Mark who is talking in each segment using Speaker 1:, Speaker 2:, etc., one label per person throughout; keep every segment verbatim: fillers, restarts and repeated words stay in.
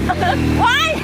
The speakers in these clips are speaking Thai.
Speaker 1: ว้าย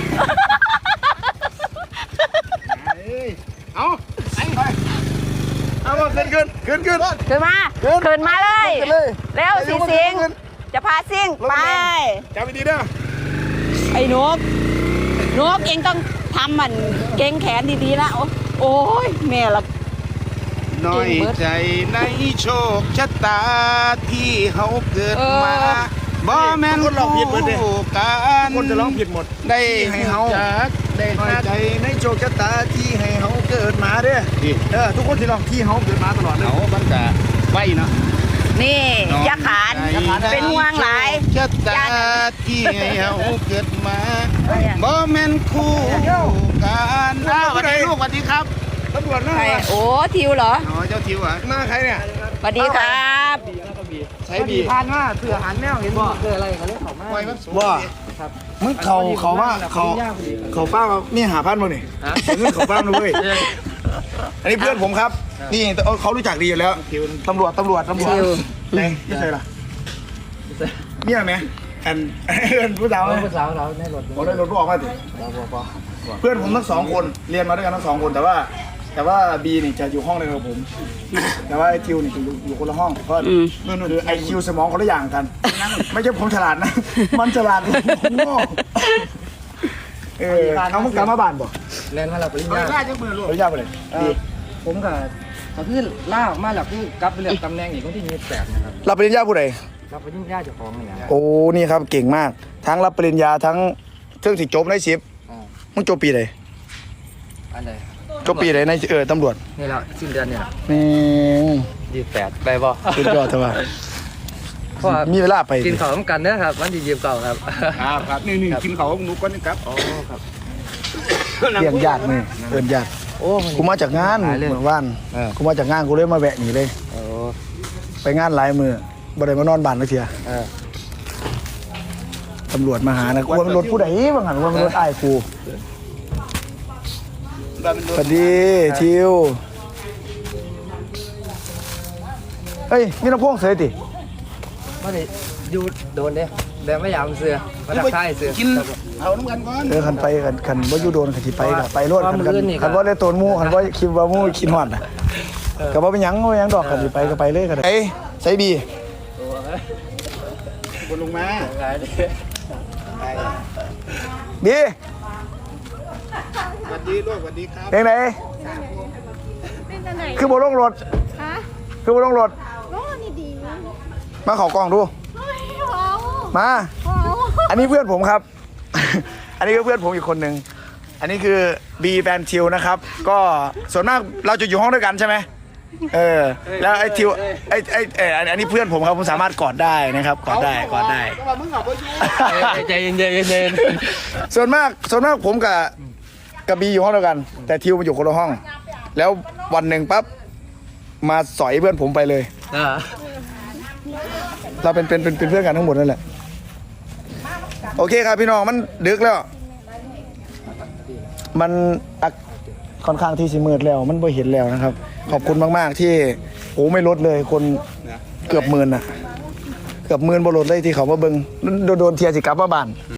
Speaker 2: เอาไอ้ไปเอาขึ้นขึ้นขึ้นขึ้น
Speaker 1: ขึ้นมาขึ้นมาเลยเร็วสิสิงจะพาซิ่งไป
Speaker 2: จับไปดีเด้อ
Speaker 1: ไอ้นกนกเองต้องทำมันเก่งแขนดีๆนะโอ้ยแม่ละ
Speaker 2: น้อยใจในโชคชะตาที่เขาเกิดมาบ่แม่นคนร้องผิดหมดเลยการคนจะร้องผิดหมดได้ให้เขาได้น้อยใจในโชคชะตาที่ให้เขาเกิดมาเด้อเออทุกคนที่ร้องที่เขาเกิดมาตลอดเลยเขาบังกะไว้เนาะ
Speaker 1: นี่ยาขานเป็นห่วงหลาย
Speaker 2: ชะตาที่ให้เขาเกิดมาบ่แม่นคู่การอ้าวสวัสดีลูกสวัสดีครับตำรวจนะ
Speaker 1: โอ้ทิวเหรอ
Speaker 2: อ๋อเจ้าทิวอ่ะมาใครเนี่ย
Speaker 1: สวัสดีครับ
Speaker 2: ใช้บีพานว่าเสือหันแมวเห็นบ่เสืออะไรเขาเรียกเขามาว่ามึงเขาเขาว่าเขาเขาป้านี่หาพันมาหนิเงินเขาป้าเลยอันนี้เพื่อนผมครับนี่เขารู้จักดีอยู่แล้วตำรวจตำรวจตำรวจไหนไม่ใช่หรอเนี่ยไหมอันผู้สาว
Speaker 3: ผู้สาวเราในรถ
Speaker 2: ผมในรถออกมาสิเพื่อนผมทั้งสองคนเรียนมาด้วยกันทั้งสองคนแต่ว่าแต่ว่าบีนี่จะอยู่ห้องเดียวกับผมแต่ว่าไอคิวนี่จะอยู่คนละห้องเพราะนั่นคือไอคิวสมองคนละอย่างกันไม่ใช่ผมฉลาดนะมันฉลาดผมโง่เออเขามึงกลับมาบ้านบ่
Speaker 3: เรียนมาเราปริญญา
Speaker 2: ปริญญาไปเลย
Speaker 3: ผมกับเขาคือล่าออกมาหลักคือกลับไปเรียนตำแหน่งอีกคนที่มีแปดนะครับ
Speaker 2: รับปริญญาผู้ใด
Speaker 3: รับปริญญาเจ้าของเนี่ย
Speaker 2: โอ้นี่ครับเก่งมากทั้งรับปริญญาทั้งเครื่องสิจบในสิบมึงจบปีไหน
Speaker 3: อันใด
Speaker 2: จบปีไหนในเออตำรวจ
Speaker 3: นี่แหละสิ้นเดือนเนี่ย
Speaker 2: นี่
Speaker 3: ยี่สิบแปดไปบ่
Speaker 2: สุดยอดเถอะว่ามีเวลาไป
Speaker 3: กินข้าวต้กันนะครับวันที่ยี่สิบเก้าครับ
Speaker 2: ครับครับนี่นี่กินข้าวกับหนูก่อนนะครับ
Speaker 3: อ๋อครับ
Speaker 2: เลี้ยงญาตินี่เอิญญาติ
Speaker 3: โอ้
Speaker 2: กูมาจากงานเหมือนว่านกูมาจากงานกูเลยมาแวะหนีเลยไปงานหลายมือบ่ได้มานอนบ้านเลยเทียตำรวจมาหานะกูว่ามันรถผู้ใดบางหันว่ามันรถไอ้กูสวัสดีทิวเฮ้ยมีน้ำพ่วงเสยติ
Speaker 3: มาดิอยู่โดนเด้แต่ไม่อยากเสือมาดักท้ายเสือ
Speaker 2: กินเอาน้ำกันก่อนเออขันไปขันขันว่าอยู่โดนขันที่ไปกับไปรถขันกันขันว่าได้ตัวมูขันว่าคิดว่ามูคิดหอดนะกับว่าเป็นยังว่ายังดอกขันที่ไปก็ไปเลยกันไอ้ใส่บีบนลงมาบีสวัสดีลูกสวัสดีครับเป็นไงคือบนลงรถคือบนลงรถมาขอกล้องดูมาอันนี้เพื่อนผมครับอันนี้ก็เพื่อนผมอีกคนหนึ่งอันนี้คือบีแฟนทิวนะครับก็ส่วนมากเราจะอยู่ห้องด้วยกันใช่ไหมเออแล้วไอ้ทิวไอ้ไอ้เอออันนี้เพื่อนผมครับผมสามารถกอดได้นะครับกอดได้กอดได้
Speaker 3: ใจเย็นใจเย็นใจเย็น
Speaker 2: ส่วนมากส่วนมากผมกับกับบีอยู่ห้องเดียวกันแต่ทิวมาอยู่คนละห้องแล้ววันหนึ่งปั๊บมาสอยเพื่อนผมไปเลยเราเป็นเป็นเป็นเพื่อนกันทั้งหมดนั่นแหละโอเคครับพี่น้องมันดึกแล้วมันค่อนข้างที่สิมืดแล้วมันไม่เห็นแล้วนะครับขอบคุณมากๆที่โอ้ไม่ลดเลยคนเกือบหมื่นน่ะเกือบหมื่นบลดเลยที่เขามาเบิ้งโดนเทียสิกลับมาบ้าน